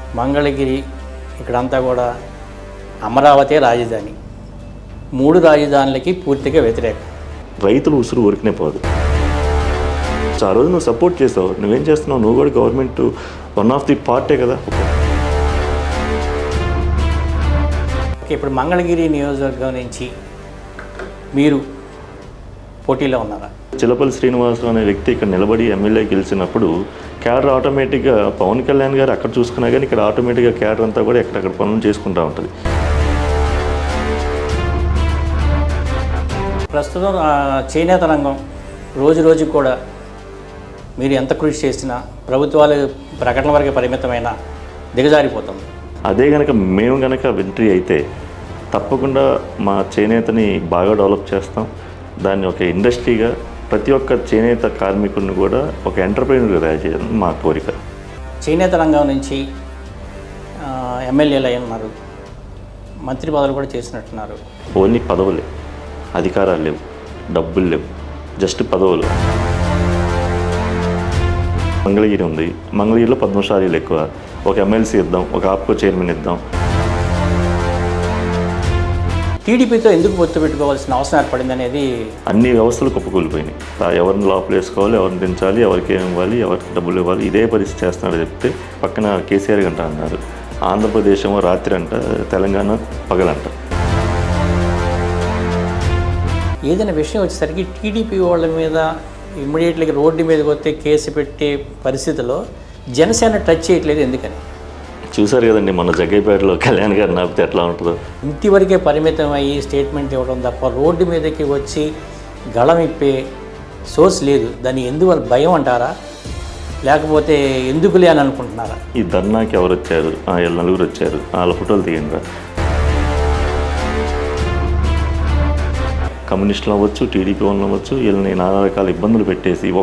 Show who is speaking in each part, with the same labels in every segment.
Speaker 1: మంగళగిరి ఇక్కడంతా కూడా అమరావతి రాజధాని. 3 రాజధానులకి పూర్తిగా వ్యతిరేకం.
Speaker 2: రైతులు ఉసురు ఊరికనే పోదు. ఆ రోజు నువ్వు సపోర్ట్ చేసావు, నువ్వేం చేస్తున్నావు? నువ్వు కూడా గవర్నమెంట్ వన్ ఆఫ్ ది పార్టే కదా.
Speaker 1: ఓకే, ఇప్పుడు మంగళగిరి నియోజకవర్గం నుంచి మీరు పోటీలో ఉన్నారా?
Speaker 2: చిలపల్లి శ్రీనివాసరావు అనే వ్యక్తి ఇక్కడ నిలబడి ఎమ్మెల్యే గెలిచినప్పుడు క్యాడర్ ఆటోమేటిక్గా పవన్ కళ్యాణ్ గారు అక్కడ చూసుకున్నా కానీ ఇక్కడ ఆటోమేటిక్గా క్యాడర్ అంతా కూడా ఎక్కడెక్కడ పనులు చేసుకుంటూ ఉంటుంది.
Speaker 1: ప్రస్తుతం చేనేత రంగం రోజు రోజుకు కూడా మీరు ఎంత కృషి చేసినా ప్రభుత్వాలు ప్రకటన వరకు పరిమితమైన దిగజారిపోతుంది.
Speaker 2: అదే కనుక మేము కనుక ఎంట్రీ అయితే తప్పకుండా మా చేనేతని బాగా డెవలప్ చేస్తాం. దాన్ని ఒక ఇండస్ట్రీగా ప్రతి ఒక్క చేనేత కార్మికుడిని కూడా ఒక ఎంటర్ప్రైనర్గా తయారు చేయడం మా కోరిక.
Speaker 1: చేనేత రంగం నుంచి ఎమ్మెల్యేలు అయి ఉన్నారు, మంత్రి పదవులు కూడా చేసినట్టున్నారు.
Speaker 2: ఓన్లీ పదవులే, అధికారాలు లేవు, డబ్బులు లేవు, జస్ట్ పదవులు. మంగళగిరి ఉంది, మంగళగిరిలో పద్మశాలీలు ఎక్కువ. ఒక ఎమ్మెల్సీ ఇద్దాం, ఒక ఆప్కో చైర్మన్ ఇద్దాం.
Speaker 1: టీడీపీతో ఎందుకు పొత్తు పెట్టుకోవాల్సిన అవసరం ఏర్పడింది అనేది
Speaker 2: అన్ని వ్యవస్థలు కుప్పకూలిపోయినాయి. ఎవరిని లోపల వేసుకోవాలి, ఎవరిని దించాలి, ఎవరికి ఏమి ఇవ్వాలి, ఎవరికి డబ్బులు ఇవ్వాలి, ఇదే పరిస్థితి చేస్తున్నాడు. చెప్తే పక్కన కేసీఆర్ గంట అన్నారు. ఆంధ్రప్రదేశ్ ఏమో రాత్రి అంట, తెలంగాణ పగలంట.
Speaker 1: ఏదైనా విషయం వచ్చేసరికి టీడీపీ వాళ్ళ మీద ఇమ్మీడియట్గా రోడ్డు మీదకి వస్తే కేసు పెట్టే పరిస్థితిలో జనసేన టచ్ చేయట్లేదు. ఎందుకని?
Speaker 2: చూసారు కదండి మొన్న జగ్గైపేటలో కళ్యాణ్ గారు నాపితే ఎట్లా ఉంటుందో.
Speaker 1: ఇంటివరకే పరిమితం అయ్యి స్టేట్మెంట్ ఇవ్వడం తప్ప రోడ్డు మీదకి వచ్చి గళం ఇప్పే సోర్స్ లేదు. దాన్ని ఎందువల్ల భయం అంటారా, లేకపోతే ఎందుకులే అని అనుకుంటున్నారా?
Speaker 2: ఈ ధర్నాకి ఎవరు వచ్చారు? వీళ్ళు 4 వచ్చారు, వాళ్ళ ఫోటోలు తీయండి. కమ్యూనిస్టులు అవ్వచ్చు, టీడీపీ వాళ్ళు అవ్వచ్చు, వీళ్ళని నానా రకాల ఇబ్బందులు పెట్టేసి ఒక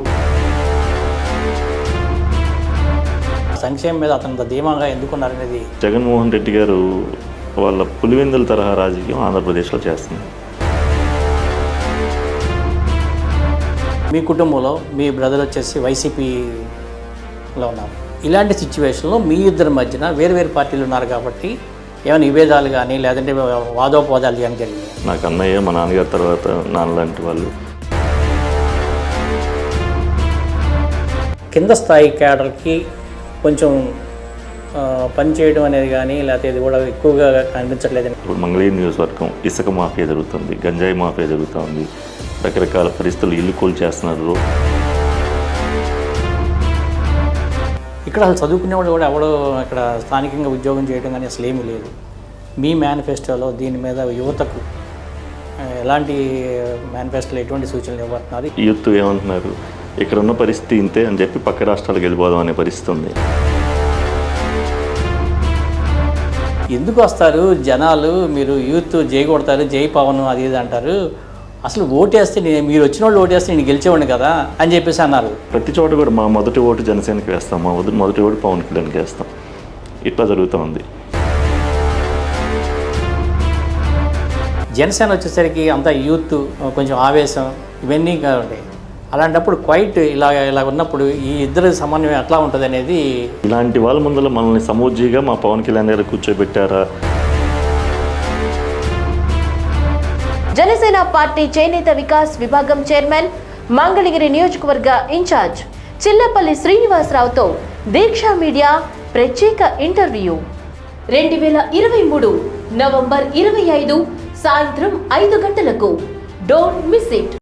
Speaker 1: సంక్షేమం మీద అతను ధీమాగా ఎందుకున్నారనేది.
Speaker 2: జగన్మోహన్ రెడ్డి గారు వాళ్ళ పులివెందుల తరహా రాజకీయం ఆంధ్రప్రదేశ్లో చేస్తుంది.
Speaker 1: మీ కుటుంబంలో మీ బ్రదర్ వచ్చేసి వైసీపీలో ఉన్నారు. ఇలాంటి సిచ్యువేషన్లో మీ ఇద్దరి మధ్యన వేరు వేరు పార్టీలు ఉన్నారు కాబట్టి ఏమైనా నివేదాలు కానీ లేదంటే వాదోపవాదాలు కానీ జరిగినాయి?
Speaker 2: నాకు అన్నయ్య, మా నాన్నగారి తర్వాత నాన్న లాంటి వాళ్ళు.
Speaker 1: కింద స్థాయి క్యాడర్కి కొంచెం పనిచేయడం అనేది కానీ లేకపోతే ఇది కూడా ఎక్కువగా కనిపించట్లేదు.
Speaker 2: ఇప్పుడు మంగళగిరి నియోజకవర్గం ఇసుక మాఫియా జరుగుతుంది, గంజాయి మాఫియా జరుగుతుంది, రకరకాల పరిస్థితులు ఇల్లు కూల్ చేస్తున్నారు.
Speaker 1: ఇక్కడ అసలు చదువుకునేవాడు కూడా ఎవడో ఇక్కడ స్థానికంగా ఉద్యోగం చేయడం కానీ అసలు ఏమీ లేదు. మీ మేనిఫెస్టోలో దీని మీద యువతకు ఎలాంటి మేనిఫెస్టోలో ఎటువంటి సూచనలు ఇవ్వబడుతున్నారు?
Speaker 2: యూత్ ఏమంటున్నారు, ఇక్కడ ఉన్న పరిస్థితి ఇంతే అని చెప్పి పక్క రాష్ట్రాలకు వెళ్ళిపోదాం అనే పరిస్థితి ఉంది.
Speaker 1: ఎందుకు వస్తారు జనాలు? మీరు యూత్ జై కొడతారు, జై పవన్ అది ఇది అంటారు. అసలు ఓటేస్తే మీరు వచ్చిన వాళ్ళు ఓటేస్తే నేను గెలిచేవాడిని కదా అని చెప్పేసి అన్నారు.
Speaker 2: ప్రతి చోట కూడా మా మొదటి ఓటు జనసేనకి వేస్తాం, మా మొదటి ఓటు పవన్ కళ్యాణ్కి వేస్తాం. ఇట్లా జరుగుతూ ఉంది.
Speaker 1: జనసేన వచ్చేసరికి అంతా యూత్ కొంచెం ఆవేశం ఇవన్నీ ఉంటాయి. అలాంటప్పుడు క్వైట్ ఇలా ఉన్నప్పుడు ఈ ఇద్దరు సమన్వయం ఎట్లా ఉంటుంది అనేది.
Speaker 2: ఇలాంటి వాళ్ళ ముందర మనల్ని సమూజ్జిగా మా పవన్ కళ్యాణ్ గారు కూర్చోబెట్టారా?
Speaker 3: జనసేన పార్టీ చేనేత వికాస్ విభాగం చైర్మన్, మంగళగిరి నియోజకవర్గ ఇన్ఛార్జ్ చిల్లపల్లి శ్రీనివాసరావుతో దీక్ష మీడియా ప్రత్యేక ఇంటర్వ్యూ. 2023 నవంబర్ 25 సాయంత్రం 5 గంటలకు. Don't miss it.